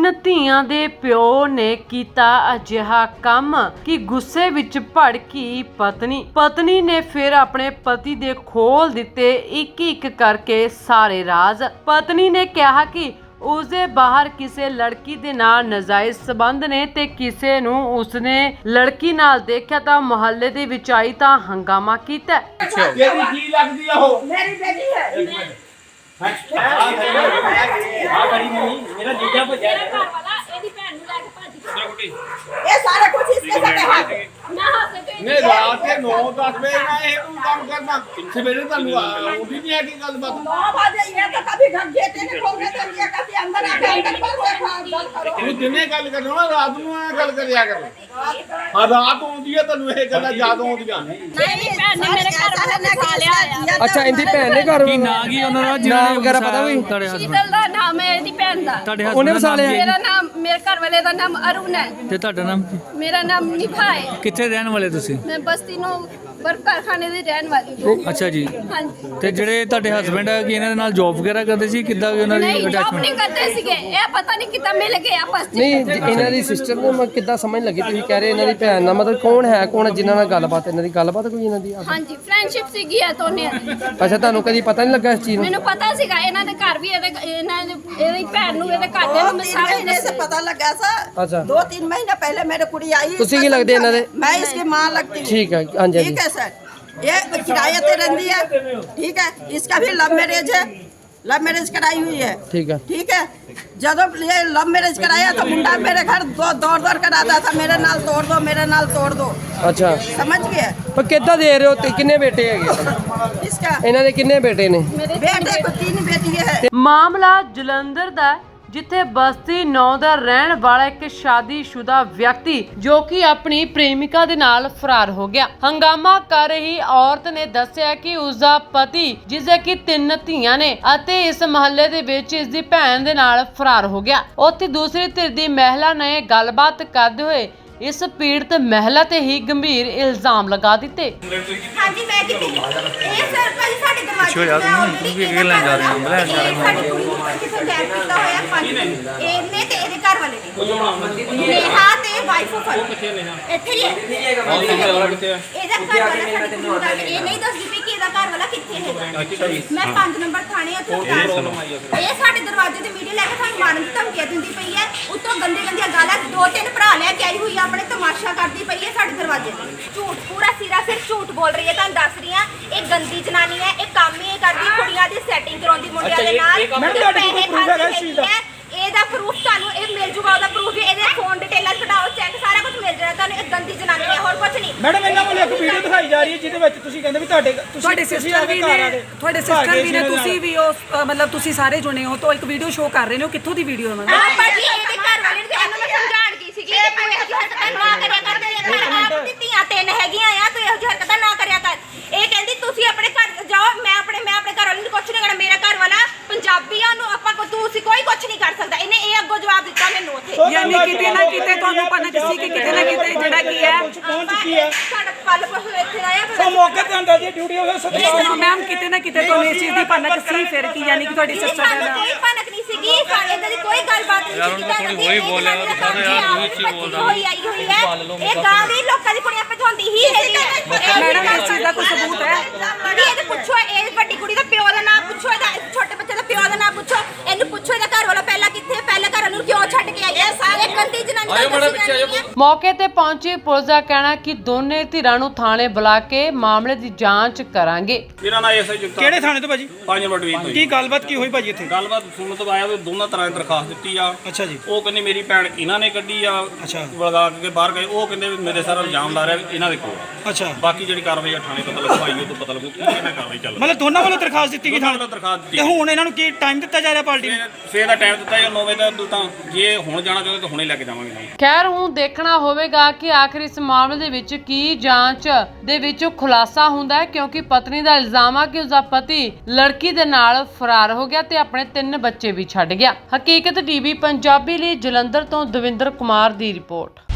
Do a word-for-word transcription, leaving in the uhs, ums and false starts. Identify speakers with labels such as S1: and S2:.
S1: ਤਿੰਨ ਧੀਆਂ ਦੇ ਪਿਓ ਨੇ ਕੀਤਾ ਅਜਿਹਾ ਕੰਮ ਕਿ ਗੁੱਸੇ ਵਿੱਚ ਭੜਕੀ ਪਤਨੀ ਪਤਨੀ ਨੇ ਫਿਰ ਆਪਣੇ ਪਤੀ ਦੇ ਖੋਲ ਦਿੱਤੇ ਇੱਕ ਇੱਕ ਕਰਕੇ ਸਾਰੇ ਰਾਜ਼। ਪਤਨੀ ਨੇ ਕਿਹਾ ਕਿ ਉਸਦੇ ਬਾਹਰ ਕਿਸੇ ਲੜਕੀ ਦੇ ਨਾਲ ਨਜਾਇਜ਼ ਸਬੰਧ ਨੇ ਤੇ ਕਿਸੇ ਨੂੰ ਉਸਨੇ ਲੜਕੀ ਨਾਲ ਦੇਖਿਆ ਤਾਂ ਮੁਹੱਲੇ ਦੇ ਵਿੱਚ ਆਈ ਤਾਂ ਹੰਗਾਮਾ ਕੀਤਾ।
S2: ਤੇਰੀ ਕੀ ਲੱਗਦੀ ਆ ਉਹ?
S3: मेरी बेटी है।
S2: ਆ ਗੜੀ ਨਹੀਂ ਮੇਰਾ ਜੀਜਾ ਭੱਜਿਆ
S3: ये सारा कुछ इसके साथ है।
S2: ਨੇ ਰਾਤ ਦੇ ਨੌ ਦਸ ਵਜੇ ਮੈਂ ਇਹ ਤੂੰ ਕੰਮ ਕਰਨਾ ਸਵੇਰੇ ਤੁਹਾਨੂੰ ਉਹਦੀ ਨਹੀਂ ਆਗੀ ਗੱਲਬਾਤ।
S3: नौ बजे ये तो कभी घर गेटे नहीं खोलने दे दिया, कभी अंदर आके अंदर पर से गल करो।
S2: ਤੂੰ ਦਿਨੇ ਗੱਲ ਕਰਨਾ ਨਾ ਰਾਤ ਨੂੰ ਐ ਗੱਲ ਕਰਿਆ ਕਰ। ਹਾਂ ਰਾਤ ਆਉਂਦੀ ਹੈ ਤੈਨੂੰ ਇਹ ਗੱਲਾਂ ਯਾਦ ਆਉਂਦੀਆਂ।
S3: नहीं भैन ने मेरे घर वाले ने खा लिया।
S4: ਅੱਛਾ ਇੰਦੀ ਭੈਣ ਨੇ ਘਰ
S5: ਕੀ ਨਾਂ ਕੀ ਉਹਨਾਂ ਦਾ
S4: ਨਾਮ ਵਗੈਰਾ ਪਤਾ ਵੀ?
S5: ਤੁਹਾਡੇ ਹਸਬੰਦ
S6: ਸ਼ੀਤਲ ਦਾ ਨਾਮ ਹੈ ਇਹਦੀ ਭੈਣ ਦਾ।
S5: ਤੁਹਾਡੇ
S4: ਉਹਨੇ
S5: husband
S4: ਵਸਾ
S5: ਦਾ ਨਾਮ
S4: ਲਿਆ?
S6: ਮੇਰਾ ਨਾਮ ਮੇਰੇ ਘਰ ਵਾਲੇ ਦਾ ਨਾਮ ਅਰੁਣ ਹੈ।
S5: ਕੀ? ਤੇ ਤੁਹਾਡਾ ਨਾਮ ਕੀ?
S6: ਮੇਰਾ ਨਾਮ ਨਿਭਾ ਹੈ।
S5: ਕਿੱਥੇ ਰਹਿਣ ਵਾਲੇ ਤੁਸੀਂ?
S6: ਮੈਂ ਬਸਤੀ ਨੂੰ ਬਰਫ ਕਾਰਖਾਨੇ ਦੀ ਰਹਿਣ ਵਾਲੀ ਹਾਂ।
S5: ਅੱਛਾ ਜੀ।
S6: ਹਾਂਜੀ।
S5: ਤੇ ਜਿਹੜੇ ਤੁਹਾਡੇ ਹਸਬੰਡ ਹੈ ਕਿ ਇਹਨਾਂ ਦੇ ਨਾਲ ਜੌਬ ਵਗੈਰਾ ਕਰਦੇ ਸੀ, ਕਿੱਦਾਂ ਵੀ ਉਹਨਾਂ ਦੀ
S6: ਨਹੀਂ ਜੌਬ
S5: ਅਟੈਚਮੈਂਟ?
S6: ਨਹੀਂ ਕਰਦੇ ਸੀਗੇ, ਇਹ ਪਤਾ ਨਹੀਂ ਕਿੱਦਾਂ ਮਿਲ ਗਏ ਆਪਸ ਚ।
S4: ਨਹੀਂ ਜੀ, ਇਹਨਾਂ ਦੀ ਸਿਸਟਰ ਨੂੰ ਮੈਂ ਕਿੱਦਾਂ ਸਮਝ ਲੱਗੀ ਤੁਸੀਂ ਕਹਿ ਰਹੇ ਇਹਨਾਂ ਦੀ ਭੈਣ ਨਾਲ ਮਤਲਬ ਕੌਣ ਹੈ ਕੌਣ ਹੈ ਜਿਨ੍ਹਾਂ ਨਾਲ ਗੱਲਬਾਤ ਇਹਨਾਂ ਦੀ ਗੱਲਬਾਤ ਕੋਈ ਇਹਨਾਂ ਦੀ?
S6: ਹਾਂਜੀ ਫਰੈਂਡਸ਼ਿਪ ਸੀਗੀ ਇਹ ਦੋਨੇ ਦੀ।
S4: ਅੱਛਾ ਤੁਹਾਨੂੰ ਕਦੀ ਪਤਾ ਨਹੀਂ ਲੱਗਾ ਇਸ ਚੀਜ਼ ਨੂੰ?
S6: ਮੈਨੂੰ ਪਤਾ ਸੀਗਾ ਇਹਨਾਂ ਦੇ ਘਰ ਵੀ ਇਹਦੇ ਇਹਨਾਂ ਦੇ ਇਹਦੀ ਭੈਣ ਨੂੰ ਇਹਦੇ ਘਰ ਦੇ
S3: दो
S6: ਨੂੰ ਮੈਂ
S3: तीन
S6: ਸਾਰੇ
S3: महीने से पता लगा सा।
S4: अच्छा।
S3: दो तीन महीने पहले मेरे कुड़ी आई।
S4: तुसी की लगदी है इन्हां दे?
S3: मैं इसकी माँ लगती हूँ।
S4: ठीक है, हाँ जी,
S3: ठीक है सर। ये किराए पे रहती है। ठीक है, इसका भी लव मैरिज है, लव मैरिज कराई हुई है।
S4: ठीक है।
S3: ठीक है, जब ये लव मैरिज कराया तो मुंडा मेरे घर दो दौड़ दौड़ कर आता था, मेरे नाल तोड़ दो मेरे नाल तोड़ दो।
S4: ਅੱਛਾ
S3: समझ गए?
S4: ਪਰ ਕਿੱਦਾਂ ਦੇ ਰਹੇ ਹੋ ਤੇ ਕਿੰਨੇ ਬੇਟੇ ਹੈਗੇ?
S3: इसका
S4: ਇਹਨਾਂ ਦੇ ਕਿੰਨੇ ਬੇਟੇ ਨੇ?
S3: बेटे को तीन बेटी है।
S1: ਮਾਮਲਾ ਜਲੰਧਰ ਦਾ ਹੈ, ਜਿੱਥੇ ਬਸਤੀ ਨੌ ਦਾ ਰਹਿਣ ਵਾਲਾ ਇੱਕ ਸ਼ਾਦੀशुदा ਵਿਅਕਤੀ ਜੋ ਕਿ ਆਪਣੀ ਪ੍ਰੇਮਿਕਾ ਦੇ ਨਾਲ ਫਰਾਰ ਹੋ ਗਿਆ। ਹੰਗਾਮਾ ਕਰ ਰਹੀ ਔਰਤ ਨੇ ਦੱਸਿਆ ਕਿ ਉਸ ਦਾ ਪਤੀ ਜਿਸਦੇ ਕਿ ਤਿੰਨ ਧੀਆਂ ਨੇ ਅਤੇ ਇਸ ਮਹੱਲੇ ਦੇ ਵਿੱਚ ਇਸ ਦੀ ਭੈਣ ਦੇ ਨਾਲ ਫਰਾਰ ਹੋ ਗਿਆ। ਉੱਥੇ ਦੂਸਰੀ ਧਿਰ ਦੀ ਮਹਿਲਾ ਨੇ ਗੱਲਬਾਤ ਕਰਦੇ ਹੋਏ ਇਸ ਪੀੜਤ ਮਹਿਲਾ ਤੇ ਹੀ ਗੰਭੀਰ ਇਲਜ਼ਾਮ ਲਗਾ ਦਿੱਤੇ।
S7: ਹਾਂਜੀ ਮੈਂ ਕਿਤੇ ਇਹ ਸਰ ਭਾਈ ਸਾਡੇ ਦਰਵਾਜ਼ੇ
S5: ਪਿੱਛੇ ਜਾ ਤੂੰ, ਤੂੰ ਵੀ ਅੱਗੇ ਲੈਣ ਜਾ ਰਹੇ ਹੋ, ਲੈਣ ਜਾ ਰਹੇ ਹੋ।
S7: ਸਾਡੀ ਕੁੜੀ ਨੂੰ ਕਿਸੇ ਗੈਰ ਕੀਤਾ ਹੋਇਆ ਪੰਜ ਇਹਨੇ ਤੇ ਇਹਦੇ ਘਰ ਵਾਲੇ ਨੇ ਨੇਹਾ ਤੇ ਵਾਈਫ ਆਫ ਇੱਥੇ ਹੀ ਹੈ। ਇਹਦਾ ਘਰ ਵਾਲਾ ਸਾਡੇ ਕੋਲ ਆ ਕੇ ਇਹ ਨਹੀਂ ਦੱਸਦੀ ਪਈ ਕਿ ਇਹਦਾ ਘਰ ਵਾਲਾ ਕਿੱਥੇ ਹੈਗਾ। ਮੈਂ ਪੰਜ ਨੰਬਰ ਥਾਣੇ ਉੱਥੇ ਇਹ ਸਾਡੇ ਦਰਵਾਜ਼ੇ ਤੇ ਵੀਡੀਓ ਲੈ ਕੇ ਸਾਨੂੰ ਮਾਰਨ ਦੀ ਧਮਕੀਆਂ ਦਿੰਦੀ ਪਈ ਹੈ। ਉੱਤੋਂ ਗੰਦੇ ਗੰਦੀਆਂ ਗਾਲਾਂ ਦੋ ਤਿੰਨ ਭਰਾ ਲੈ ਕੇ ਆਈ ਹੋਈ ਆ, ਆਪਣੇ ਤਮਾਸ਼ਾ ਕਰਦੀ ਪਈ ਹੈ ਸਾਡੇ ਦਰਵਾਜ਼ੇ ਤੇ। ਝੂਠ ਪੂਰਾ ਸਿਰਾ ਸਿਰ ਝੂਠ ਬੋਲ ਰਹੀ ਹੈ। ਤੁਹਾਨੂੰ ਦੱਸ ਰਹੀ ਹਾਂ ਇਹ ਗੰਦੀ ਜਨਾਨੀ ਹੈ। ਇਹ ਕੰਮ ਹੀ ਇਹ ਕਰਦੀ ਕੁੜੀਆਂ ਦੀ ਸੈਟਿੰਗ ਕਰਾਉਂਦੀ ਮੁੰਡਿਆਂ ਦੇ ਨਾਲ। ਪੈਸੇ ਖਾਂਦੀ ਹੈ। ਇਹਦਾ ਪ੍ਰੂਫ ਤੁਹਾਨੂੰ ਇਹ ਮਿਲ ਜੂਗਾ, ਉਹਦਾ ਪ੍ਰੂਫ ਵੀ ਇਹਦੇ ਫੋਨ ਡਿਟੇਲਾਂ ਕਢਾਓ ਚੈੱਕ ਸਾਰਾ ਕੁਝ ਮਿਲ ਜਾਣਾ ਤੁਹਾਨੂੰ। ਇਹ ਗੰਦੀ ਜਨਾਨੀ ਹੈ ਹੋਰ ਕੁਝ ਨਹੀਂ।
S8: ਮੈਡਮ ਇਹਨਾਂ ਕੋਲ ਇੱਕ ਵੀਡੀਓ ਦਿਖਾਈ ਜਾ ਰਹੀ ਹੈ ਜਿਹਦੇ ਵਿੱਚ ਤੁਸੀਂ ਕਹਿੰਦੇ ਵੀ ਤੁਹਾਡੇ
S9: ਤੁਹਾਡੇ ਸਿਸਟਰ ਵੀ ਨੇ ਤੁਹਾਡੇ ਸਿਸਟਰ ਵੀ ਨੇ ਤੁਸੀਂ ਵੀ ਉਹ ਅ, ਮਤਲਬ ਤੁਸੀਂ ਸਾਰੇ ਜੁਨੇ ਹੋ ਤਾਂ ਇੱਕ ਵੀਡੀਓ ਸ਼ੋਅ ਕਰ ਰਹੇ ਨੇ। ਉਹ ਕਿੱਥੋਂ ਦੀ ਵੀਡੀਓ ਹੈ ਮਤਲਬ?
S7: ਆਹ ਭਾਜੀ ਇਹਦੇ ਘਰ ਵਾਲੇ ਨੂੰ ਇਹਨੂੰ ਮੈਂ ਸਮਝਾਣ ਗਈ ਸੀਗੀ ਕਿ ਤੂੰ ਇਹੋ ਜਿਹੀ ਹਰਕਤਾਂ ਨਾ ਕਰਿਆ ਕਰ। ਤੇਰੇ ਘਰ ਆਪ ਧੀਆਂ ਤਿੰਨ ਹੈਗੀਆਂ ਆ, ਤੂੰ ਇਹੋ ਜਿਹੀ ਹਰਕਤਾਂ ਨਾ ਕਰਿਆ ਕਰ। ਇਹ ਕਹਿੰਦੀ ਤੁਸੀਂ ਆਪਣੇ ਘਰ ਜਾਓ, ਮੈਂ ਆਪਣੇ ਮੈਂ ਆਪਣੇ ਘਰ ਵਾਲੇ ਨੂੰ ਕੁਝ ਨਹੀਂ ਕਰਨਾ। ਮੇਰਾ ਘਰ ਵਾਲਾ ਪੰਜਾਬੀ ਆ, ਉਹਨੂੰ ਆਪਾਂ ਤੁਸੀਂ ਕੋਈ ਕੁਝ ਨਹੀਂ ਕਰ ਸਕਦਾ। ਇਹਨੇ ਇਹ ਅੱਗੋਂ ਜਵਾਬ ਦਿੱਤਾ ਮੈਨੂੰ ਉੱਥੇ।
S9: ਯਾਨੀ ਕਿਤੇ ਨਾ ਕਿਤੇ ਤੁਹਾਨੂੰ ਪਤਾ ਸੀ ਕਿ ਕਿਤੇ ਨਾ ਕਿਤੇ ਜਿਹੜਾ ਕੀ ਹੈ
S8: ਪਹੁੰਚ ਚੁੱਕੀ ਹੈ।
S7: ਸਾਡਾ ਪਲ ਪਹੁ ਇੱਥੇ ਆਇਆ
S8: ਸੋ ਮੌਕੇ ਤੇ ਹੁੰਦਾ ਜੀ ਡਿਊਟੀ ਹੋ ਸਤਿਕਾਰ।
S9: ਮੈਮ ਕਿਤੇ ਨਾ ਕਿਤੇ ਤੁਹਾਨੂੰ ਇਸ ਚੀਜ਼ ਦੀ ਭਨਕ ਸੀ ਫਿਰ ਕੀ ਯਾਨੀ ਕਿ ਤੁਹਾਡੀ ਸਿਸਟਰ
S7: ਸਾਨੂੰ
S9: ਦਾ
S7: ਕੋਈ ਭਨਕ ਨਹੀਂ ਸੀਗੀ। ਸਾਡੇ ਇਦਾਂ ਦੀ ਕੋਈ ਗੱਲਬਾਤ ਨਹੀਂ ਸੀ। ਕਿਤਾ ਥੋੜੀ ਹੋਈ ਬੋਲਿਆ ਸਾਰੇ ਯਾਰ ਨੂੰ ਇੱਚੀ ਬੋਲਦਾ ਹੋਈ ਆਈ ਹੋਈ ਹੈ। ਇਹ ਗਾਂ ਦੀ ਲੋਕਾਂ ਦੀ ਕੁੜੀਆਂ ਭਜਾਉਂਦੀ ਹੀ ਹੈਗੀ ਹੈ।
S9: ਮੈਡਮ ਇਸ ਚੀਜ਼ ਦਾ ਕੋਈ ਸਬੂਤ ਹੈ?
S7: ਕੁੜੀ ਇਹਦੇ ਪੁੱਛੋ, ਇਹ ਵੱਡੀ ਕੁੜੀ ਦਾ ਪਿਓ ਦਾ ਨਾਮ ਪੁੱਛੋ, ਇਹਦਾ ਛੋਟੇ ਬੱਚੇ ਦਾ ਪਿਓ ਦਾ ਨਾਮ ਪੁੱਛੋ। ਇਹਨੂੰ ਪੁੱਛੋ ਇਹਦਾ ਘਰ ਵਾਲਾ ਪਹਿਲਾਂ ਕਿੱਥੇ, ਪਹਿਲਾਂ ਘਰ ਨੂੰ ਕਿਉਂ ਛੱਡ ਕੇ ਆਈ ਹੈ। ਸਾਰੇ ਗੰਦੀ ਜਨਾਨੀ ਦਾ
S1: ਮੌਕੇ ਤੇ ਪਹੁੰਚੀ ਪੁਲਿਸ ਦਾ ਕਹਿਣਾ ਕਿ ਦੋਨੇ ਧਿਰਾਂ ਨੂੰ ਥਾਣੇ ਬੁਲਾ ਕੇ ਮਾਮਲੇ ਦੀ ਜਾਂਚ ਕਰਾਂਗੇ।
S10: ਮੇਰਾ ਨਾਮ ਐਸਆਈ ਜੁਗਤਾ।
S8: ਕਿਹੜੇ ਥਾਣੇ ਤੋਂ ਭਾਜੀ?
S10: ਪੰਜ ਨੰਬਰ ਡਿਵੀਜ਼ਨ ਤੋਂ।
S8: ਕੀ ਗੱਲਬਾਤ ਕੀ ਹੋਈ ਭਾਜੀ ਇੱਥੇ?
S10: ਗੱਲਬਾਤ ਸੁਣਨ ਤੋਂ ਆਇਆ ਵੀ ਦੋਨਾਂ ਤਰ੍ਹਾਂ ਦੀ ਦਰਖਾਸਤ ਦਿੱਤੀ ਆ।
S8: ਅੱਛਾ ਜੀ।
S10: ਉਹ ਕਹਿੰਦੇ ਮੇਰੀ ਭੈਣ ਇਹਨਾਂ ਨੇ ਕੱਢੀ ਆ।
S8: ਅੱਛਾ।
S10: ਵਲਗਾ ਕੇ ਬਾਹਰ ਗਏ। ਉਹ ਕਹਿੰਦੇ ਵੀ ਮੇਰੇ ਸਾਰਾ ਇਲਜ਼ਾਮ ਲਾ ਰਿਹਾ ਵੀ ਇਹਨਾਂ ਦੇ ਕੋਲ।
S8: ਅੱਛਾ।
S10: ਬਾਕੀ ਜਿਹੜੀ ਕਾਰਵਾਈ ਆ ਥਾਣੇ ਪਤਾ ਲੱਗੂ, ਆਈ ਉਹ ਤੋਂ ਪਤਾ ਲੱਗੂ ਕੀ ਇਹਨਾਂ ਕਾਰਵਾਈ ਚੱਲ ਰਹੀ।
S8: ਮਤਲਬ ਦੋਨਾਂ ਵੱਲੋਂ ਦਰਖਾਸਤ ਦਿੱਤੀ ਗਈ ਥਾਣੇ
S10: ਵੱਲੋਂ ਦਰਖਾਸਤ ਦਿੱਤੀ।
S8: ਤੇ ਹੁਣ ਇਹਨਾਂ ਨੂੰ ਕੀ ਟਾਈਮ ਦਿੱਤਾ ਜਾ ਰਿਹਾ ਪਾਰਟੀ ਨੂੰ?
S10: ਸਵੇਰ ਦਾ ਟਾਈਮ ਦਿੱਤਾ ਜਾਂ ਨੌ ਵਜੇ ਦਾ ਤਾਂ ਜੇ ਹੁਣ ਜਾਣਾ ਚਾਹੁੰਦੇ ਤਾਂ ਹੁਣੇ ਲੈ ਕੇ ਜਾਵਾਂਗੇ ਨਾਲ।
S1: ਖੈਰ ਹੁਣ ਦੇਖਣਾ ਹੋਵੇਗਾ ਕਿ ਆਖਿਰ ਇਸ ਮਾਮਲੇ ਦੇ ਵਿੱਚ ਕੀ ਜਾਂਚ ਦੇ ਵਿੱਚ ਖੁਲਾਸਾ ਹੁੰਦਾ ਹੈ, ਕਿਉਂਕਿ ਪਤਨੀ ਦਾ ਇਲਜ਼ਾਮ ਆ ਕਿ ਉਸਦਾ ਪਤੀ ਲੜਕੀ ਦੇ ਨਾਲ ਫਰਾਰ ਹੋ ਗਿਆ ਤੇ ਆਪਣੇ ਤਿੰਨ ਬੱਚੇ ਵੀ ਛੱਡ ਗਿਆ। ਹਕੀਕਤ ਟੀਵੀ ਪੰਜਾਬੀ ਲਈ ਜਲੰਧਰ ਤੋਂ ਦਵਿੰਦਰ ਕੁਮਾਰ ਦੀ ਰਿਪੋਰਟ।